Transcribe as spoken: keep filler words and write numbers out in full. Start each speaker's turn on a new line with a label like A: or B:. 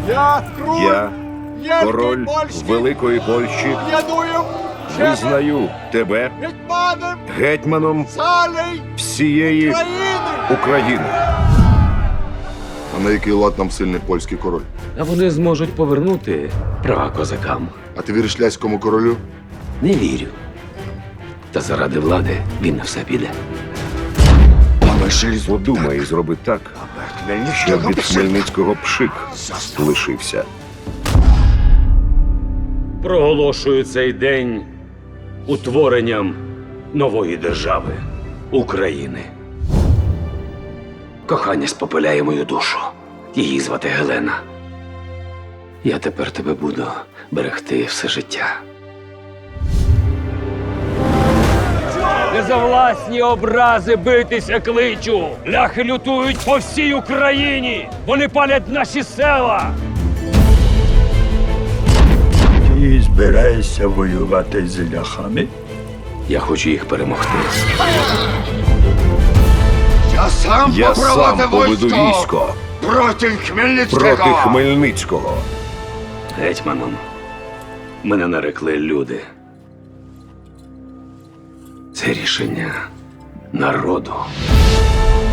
A: Я круль,
B: Я,
A: Євгень
B: король
A: Польський,
B: Великої Польщі,
A: ядуєм,
B: визнаю тебе
A: гетьманом
B: гетьманом
A: царей
B: всієї
A: країни.
B: України.
C: А на який лад нам сильний польський король?
D: А вони зможуть повернути права козакам.
C: А ти віриш ляському королю?
D: Не вірю. Та заради влади він на все піде.
B: Подумай і зроби так, щоб від Хмельницького пшик лишився.
D: Проголошую цей день утворенням нової держави України. Кохання спопиляє мою душу. Її звати Гелена. Я тепер тебе буду берегти все життя. Не за власні образи битися кличу. Ляхи лютують по всій Україні. Вони палять наші села.
E: Ти збираєшся воювати з ляхами?
D: Я хочу їх перемогти.
A: Я сам
B: Я сам поведу військо
A: проти Хмельницького.
B: проти Хмельницького.
D: Гетьманом мене нарекли люди. Це рішення народу.